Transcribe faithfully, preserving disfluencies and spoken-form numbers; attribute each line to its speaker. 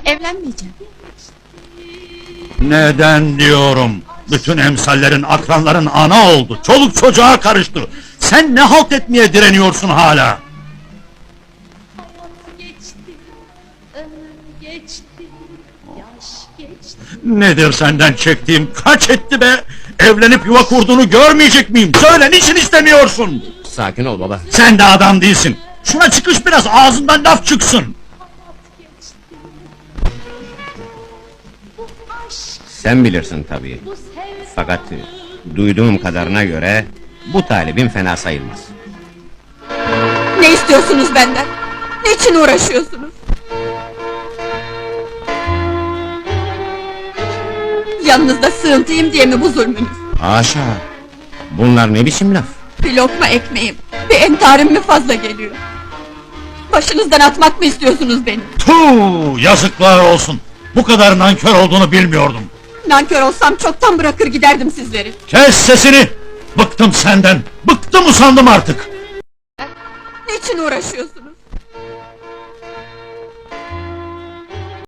Speaker 1: Evlenmeyeceğim.
Speaker 2: Neden diyorum? Bütün emsallerin, akranların ana oldu. Çoluk çocuğa karıştı. Sen ne halt etmeye direniyorsun hala?
Speaker 1: Hayat geçti, ömür geçti, yaş geçti.
Speaker 2: Nedir senden çektiğim? Kaç etti be? Evlenip yuva kurduğunu görmeyecek miyim? Söyle, niçin istemiyorsun?
Speaker 3: Sakin ol baba.
Speaker 2: Sen de adam değilsin. Şuna çıkış biraz, ağzından laf çıksın.
Speaker 1: Hayat geçti. Bu aşk,
Speaker 3: Sen bilirsin tabii.
Speaker 1: bu sevda.
Speaker 3: Fakat duyduğum kadarına göre bu talibin fena sayılmaz.
Speaker 1: Ne istiyorsunuz benden? Niçin uğraşıyorsunuz? Yanınızda sığıntıyım diye mi bu zulmünüz?
Speaker 3: Haşa! Bunlar ne biçim laf?
Speaker 1: Bir lokma ekmeğim, bir entarim mi fazla geliyor? Başınızdan atmak mı istiyorsunuz beni?
Speaker 2: Tuh, yazıklar olsun. Bu kadar nankör olduğunu bilmiyordum.
Speaker 1: Nankör olsam çoktan bırakır giderdim sizleri.
Speaker 2: Kes sesini! Bıktım senden, bıktım usandım artık.
Speaker 1: Niçin uğraşıyorsunuz?